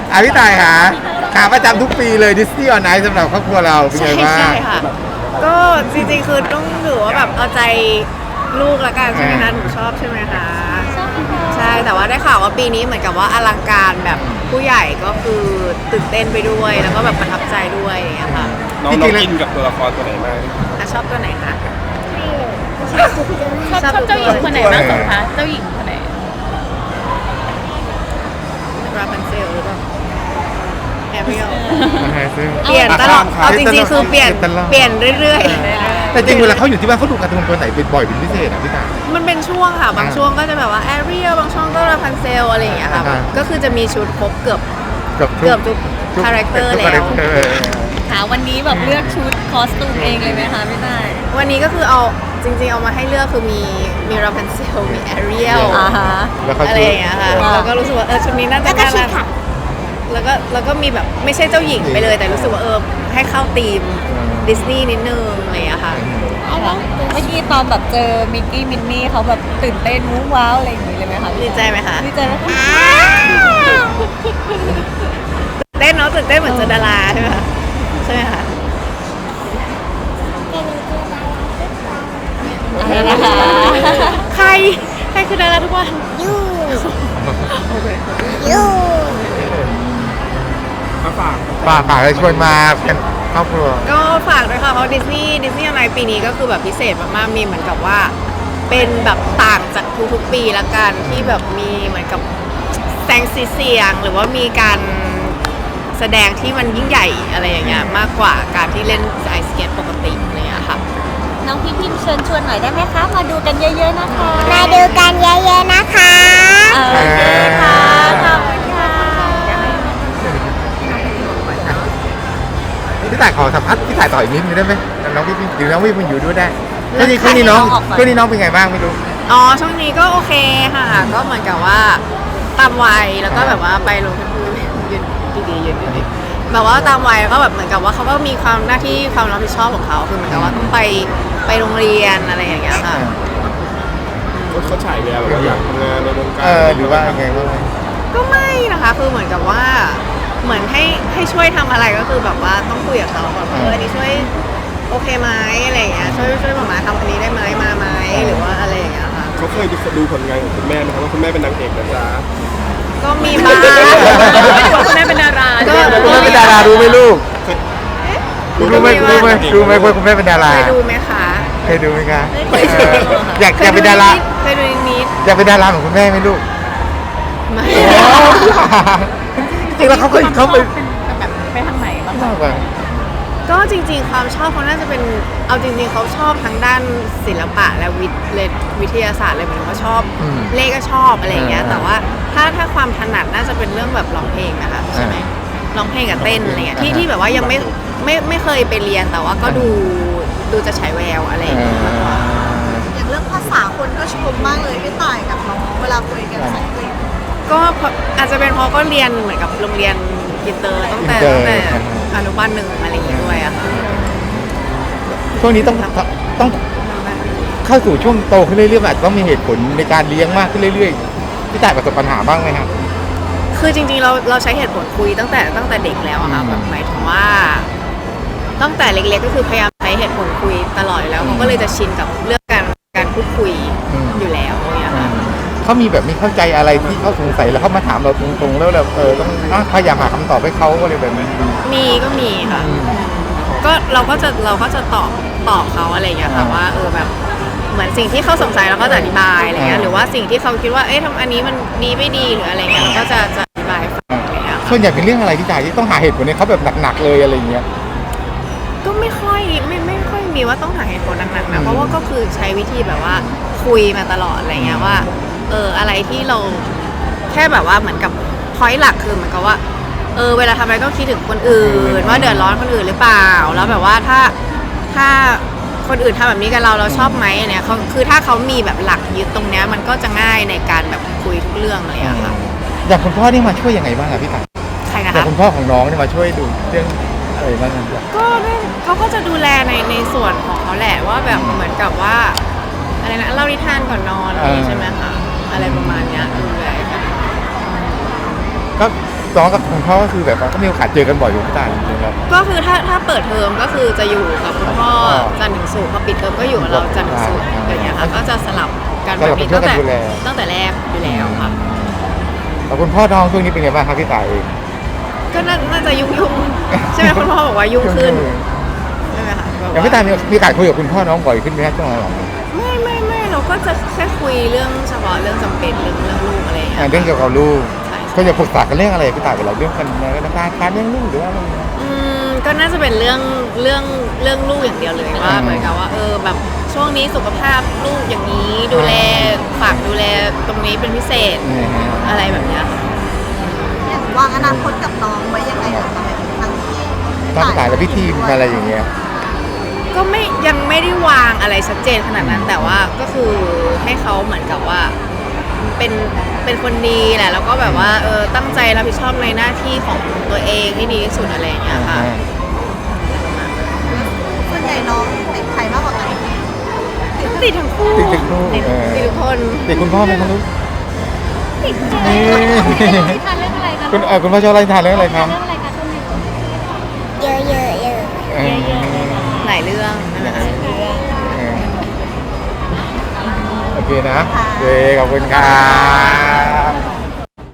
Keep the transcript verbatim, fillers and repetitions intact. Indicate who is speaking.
Speaker 1: อ่ะพี่ต่ายค่ะขาประจำทุกปีเลยดิสนีย์ออนไอซ์สำหรับครอบครัวเราเป็นไงบ้าง
Speaker 2: ใช่ค่ะก็จริงๆคือต้องถือว่าแบบเอาใจลูกละกันใช่ไหมคะหนูชอบใช่ไหมคะใช่แต่ว่าได้ข่าวว่าปีนี้เหมือนกับว่าอลังการแบบผู้ใหญ่ก็คือตื่นเต้นไปด้วยแล้วก็แบบประทับใจด้วยอย่างเงี้ยค่ะ
Speaker 3: น้องน้องอินกับตัวละครตัวไหนมาก
Speaker 2: อ่ะชอบตัวไหนคะ
Speaker 4: ชอบชอบเจ้าหญิงคนไหนมากสุดคะเจ้าหญิงคนไหน
Speaker 2: ราพันเซลหรือเปล่าแอเรียล
Speaker 1: ซึ่ง
Speaker 2: เปลี่ยนตลอดเอาจริงๆคือเปลี่ยน
Speaker 1: ตลอด
Speaker 2: เปลี่ยนเรื่อย
Speaker 1: แต่จริงเวลาเขาอยู่ที่บ้านเขาดูการ์ตูนตัวไหนเป็นบ่อยเป็นพิเศษอ่ะพี่ต่าย
Speaker 2: ๆมันเป็นช่วงค่ะบางช่วงก็จะแบบว่าแอเรียลบางช่วงก็ราพันเซลอะไรอย่างเงี้ยค่ะ
Speaker 1: อ่า
Speaker 2: ก็คือจะมีชุดครบเกือบ
Speaker 1: เกือบ
Speaker 2: เกือบทุกคาแรคเตอร์แล้ว
Speaker 4: ค่ะวันนี้แบบเลือกชุดคอสตูมเองเลยไหมคะพี่ต้าย
Speaker 2: วันนี้ก็คือเอาจริงๆเอามาให้เลือกคือมีมีราพันเซลมีแอเรียล
Speaker 4: อ่าฮะ
Speaker 1: แล้วเขา
Speaker 2: อะไรอย่างเงี้ยค่ะ
Speaker 4: อ่า
Speaker 2: แล้วก็รู้สึกว่าเออชุดนี้น่าจะน่ารักแล้วก็แล้วก็มีแบบไม่ใช่เจ้าหญิงไปเลยแต่รู้สึกว่าเออให้เข้าธีมดิสนีย์นิดนึงอะไรอย่างเงี้ยค่ะ
Speaker 4: เมื่อกี้ตอนแบบเจอมิกกี้มินนี่เขาแบบตื่นเต้นวู้ว้าวอะไรอย่างนี้เลยไหมคะ
Speaker 2: ดีใจไหมคะ
Speaker 4: ดีใจไหมคะ
Speaker 2: เต้นเนาะตื่นเต้นเหมือนเจอดาราใช่ไหมคะใช่ไหมคะ
Speaker 4: อะไรนะคะ
Speaker 2: ใครใครคือดาราทุกวัน
Speaker 3: มาฝาก
Speaker 1: ฝากฝากให้ชวนมาเป็นครอบครัว
Speaker 2: ก็ฝากด้วยค่ะเพราะดิสนีย์ดิสนีย์อะไรปีนี้ก็คือแบบพิเศษมากๆมีเหมือนกับว่า เป็นแบบต่างจากทุกๆปีละกันที่แบบมีเหมือนกับแสงสีเสียงหรือว่ามีการแสดงที่มันยิ่งใหญ่อะไรอย่างเงี้ยมากกว่าการที่เล่นไอสเก็ตปกติอะไรอย่างเงี้ยค่ะ
Speaker 4: น้องพี่พิมเชิญชวนหน่อยได้ไหมคะ มาดูกันเยอะๆนะคะ
Speaker 5: มาดูกันเยอะๆนะคะ
Speaker 4: โอเคค่ะขอบคุณค่ะ
Speaker 1: พี่ต่ายขอสัมภาษณ์พี่ต่ายต่ออีกนิดนึงได้ไหมน้องพี่หรือน้องพี่มันอยู่ด้วยได้ช่วงนี้ช่วงนี้น้องช่วงนี้น้องเป็นไงบ้างไม่รู้
Speaker 2: อ๋อช่วงนี้ก็โอเคค่ะ ก็เหมือนกับว่าตามวัยแล้วก็แบบว่าไปลงทุนยืนดีๆยืนดีๆแบบว่าตามวัยแล้วก็แบบเหมือนกับว่าเขาก็มีความหน้าที่ความรับผิดชอบของเขาคือเหมือนกับว่าต้องไปไปโรงเรียนอะไรอย่างเงี้ยค่ะ
Speaker 3: เขาฉายแววแบบว่าอยากทำงานในวงการ
Speaker 1: เออหรือว่าไงบ้าง
Speaker 2: ก็ไม่นะคะคือเหมือนกับว่าเหมือนให้ให้ช่วยทำอะไรก็คือแบบว่าต้องคุยกับเขาก่อนว่าเอออันนี้ช่วยโอเคไหมอะไรอย่างเงี้ยช่วยช่วยหมามาทำอันนี้ได้ไหมมาไหมหรือว่าอะไรอย่างเงี้ยค่ะ
Speaker 3: เขาเคยดูผลงานของคุณแม่ไหมครับว่าคุณแม่เป็นนางเอกนะจ๊ะ
Speaker 2: ก็มีบ้าง
Speaker 4: คุณแม่เป็นดารา
Speaker 2: ก็
Speaker 1: คุณแม่เป็นดารารู้ไหมลูกรู้ไหมรู้ไหมรู้ไหมว่าคุณแม่เป็นดารา
Speaker 2: เคยดูไหมคะ
Speaker 1: เคยดูไหมคะเอออยากอยากเป็นดารา
Speaker 2: เคยดูนิด
Speaker 1: อยากเป็นดาราเหมือนคุณแม่ไหมลูก
Speaker 2: ๆไม่
Speaker 1: จริงๆแล้วเขาเคยเขาไป
Speaker 4: แบบไปทางไหนบ้าง
Speaker 1: มากกว่า
Speaker 2: ก็จริงๆความชอบเขาน่าจะเป็นเอาจริงๆเขาชอบทั้งด้านศิลปะและวิทย์และวิทยาศาสตร์เลยเหมือนเขาชอบ
Speaker 1: อืม
Speaker 2: เลขก็ชอบอะไรอย่างเงี้ย
Speaker 1: อ่า
Speaker 2: แต่ว่าถ้าถ้าความถนัดน่าจะเป็นเรื่องแบบร้องเพลงนะคะใช่ไหมร้องเพลงกับเต้นอะไรเงี้ยที่
Speaker 1: อ่า
Speaker 2: ที่แบบว่ายังไม่ไม่ไม่เคยไปเรียนแต่ว่าก็ดูดูจะฉายแววอะไรอย่างเงี้ยมากกว่า
Speaker 5: อย่างเรื่องภาษาคนก็ชมมากเลยพี่ต่ายกับน้องเวลาคุยกันภาษาอังกฤษ
Speaker 2: ก็เพราะอาจจะเป็นเพราะก็เรียนเหมือนกับโรงเรียนอินเตอร์ตั้งแต่
Speaker 1: อินเตอร์
Speaker 2: ตั้งแต่อนุบาลหนึ่งอะไรอย่างเงี้ยด้วยอะค่ะ
Speaker 1: ช่วงนี้ต้องต้องเข้าสู่ช่วงโตขึ้นเรื่อยๆอาจจะต้องมีเหตุผลในการเลี้ยงมากขึ้นเรื่อยๆพี่ต่ายประสบปัญหาบ้างไหมครับ
Speaker 2: คือจริงๆเราเราใช้เหตุผลคุยตั้งแต่ตั้งแต่เด็กแล้วอะค่ะ
Speaker 1: อืม
Speaker 2: แบบหมายถึงว่า ตั้งแต่เล็กๆก็คือพยายามใช้เหตุผลคุยตลอดอยู่แล้วเขาก็เลยจะชินกับเรื่องการการพูดคุยอยู่แล้วเนี่ยค่ะ
Speaker 1: เขามีแบบมีเข้าใจอะไรที่เขาสงสัยแล้วเขามาถามเราตรงๆแล้วเราเออต้องอ่ะพยายามหาคำตอบให้เขาอะไรแบบนี้
Speaker 2: มีก็มีค่ะ
Speaker 1: อืม
Speaker 2: ก็เราก็จะเราก็จะตอบตอบเขาอะไรอย่างเงี้ยค่ะ
Speaker 1: อ่า
Speaker 2: ว่าเออแบบเหมือนสิ่งที่เขาสงสัยเราก็จะอธิบายอะไรเงี้ย
Speaker 1: อ่า
Speaker 2: หรือว่าสิ่งที่เขาคิดว่าเอ๊ะทำอันนี้มันดีไม่ดีหรืออะไรเงี้ยเราก็จะจะอธิบายให้ฟังอะไรเงี้ยค่ะ
Speaker 1: ส่วนใหญ่เป็นเรื่องอะไรที่จ่ายที่ต้องหาเหตุผลให้เขาแบบหนักๆเลยอะไรอย่างเงี้ย
Speaker 2: ก็ไม่ค่อยไม่ไม่ค่อยมีว่าต้องหาเหตุผลหนักๆ
Speaker 1: อื
Speaker 2: นะ
Speaker 1: ม
Speaker 2: เพราะว่าก็คือใช้วิธีแบบว่าคุยมาตลอดอะไรเงี้ยว่าเอออะไรที่เราแค่แบบว่าเหมือนกับพอยต์หลักคือเหมือนกับว่าเออเวลาทำอะไรต้องคิดถึงคนอื่นว่าเดือดร้อนคนอื่นหรือเปล่าแล้วแบบว่าถ้าถ้าคนอื่นทำแบบนี้กับเราเราชอบไหมอันเนี้ยเขาคือถ้าเขามีแบบหลักยึดตรงเนี้ยมันก็จะง่ายในการแบบคุยทุกเรื่องเลยอะค่ะ
Speaker 1: อย่างคุณพ่อนี่มาช่วยยังไงบ้างอะพี่ต่าย
Speaker 2: ใครนะ
Speaker 1: อย่าง
Speaker 2: คะ
Speaker 1: คุณพ่อของน้องนี่มาช่วยดูเรื่องอะไรบ้างอะ
Speaker 2: ก็ได้เขาก็จะดูแลในในส่วนของเขาแหละว่าแบบเหมือนกับว่าอะไรนะเล่านิทานก่อนนอนอะไรอย่างงี้ใช่ไหมคะอะไรประมาณเนี้ยดูแลกัน
Speaker 1: ก็น้องกับคุณพ่อก็คือแบบว่าก็มีโอกาสเจอกันบ่อยอยู่พี่ต่ายจริงๆครับ
Speaker 2: ก็คือถ้าถ้าเปิดเทอมก็คือจะอยู่กับคุณพ่อจันทร์ถึงศุกร์พอปิดเทอมก็อยู่กับเราจันทร์ถึงศุกร์อย่างเงี้ยค่ะก็จะสลับกันแบบนี้ตั้งแต่ตั้งแต่แรกอยู่แล้วค่ะ
Speaker 1: แล้วคุณพ่อน้องช่วงนี้เป็นไงบ้างครับพี่ต่ายเอง
Speaker 2: ก็น่าน่าจะยุ่งยุ่งๆใช่ไหมคุณพ่อบอกว่ายุ่งขึ้นใช่ไหมคะแบบ
Speaker 1: อย่างพี่ต่ายมีมีโอกาสคุยกับคุณพ่อน้องบ่อยขึ้นไหมครับช่วงหลัง
Speaker 2: ไม่ไม่ไม่เราก็จะแค่คุยเรื่องเฉพาะเรื่องจำเป็นเรื่องเรื่องลูกอะไรอย่าง
Speaker 1: ๆ
Speaker 2: เงี้
Speaker 1: อ่าย เรื่องเกี่ยวกับลูก
Speaker 2: ใช่
Speaker 1: ก็จะปรึกษากันเรื่องอะไรพี่ต่ายเวลาเรื่องกันในการการเรื่องลูกหรือว่าอะไรเงี้ย
Speaker 2: อืมก็น่าจะเป็นเรื่องเรื่องเรื่องลูกอย่างเดียวเลยว่า
Speaker 1: อืม
Speaker 2: เหมือนกับว่าเออแบบช่วงนี้สุขภาพลูกอย่างนี้ดูแลฝากดูแลตรงนี้เป็นพิเศษ
Speaker 1: นี่ฮะ
Speaker 2: อะไรแบบเนี้ยค่ะ
Speaker 5: อย่างวางอนาคตกับน้องไว้ยังไงอะคะทั้งที่
Speaker 1: ตั้งแต่และพิธีอะไรอย่างเงี้ย
Speaker 2: ก็ไม่ยังไม่ได้วางอะไรชัดเจนขนาดนั้น แต่ว่าก็คือให้เขาเหมือนกับว่าเป็นเป็นคนดีแหละแล้วก็แบบว่าเออตั้งใจรับผิดชอบในหน้าที่ของตัวเองให้ดีที่สุดอะไรอย่างเงี้ยค่ะ
Speaker 5: ส่วนใหญ่น้องติดใครมากกว่ากัน
Speaker 2: ติดทั้งคู่
Speaker 1: ติดติดลูก
Speaker 2: ติด
Speaker 1: เออ
Speaker 2: ติดทุกคน
Speaker 1: ติดคุณพ่อไหมครับลูก
Speaker 4: ติดใจ
Speaker 1: นี่
Speaker 4: ทานเรื่องอะไรคะ
Speaker 1: คุณเออคุณพ่อชอบอะไรทานเรื่องอะไรครับ
Speaker 4: เรื่องอะไรคะช่วงนี้
Speaker 5: เยอะเยอะเยอะ
Speaker 1: เออ
Speaker 2: หลายเรื่องนะคะ
Speaker 1: เออโอเคนะโอเคขอบคุณครับ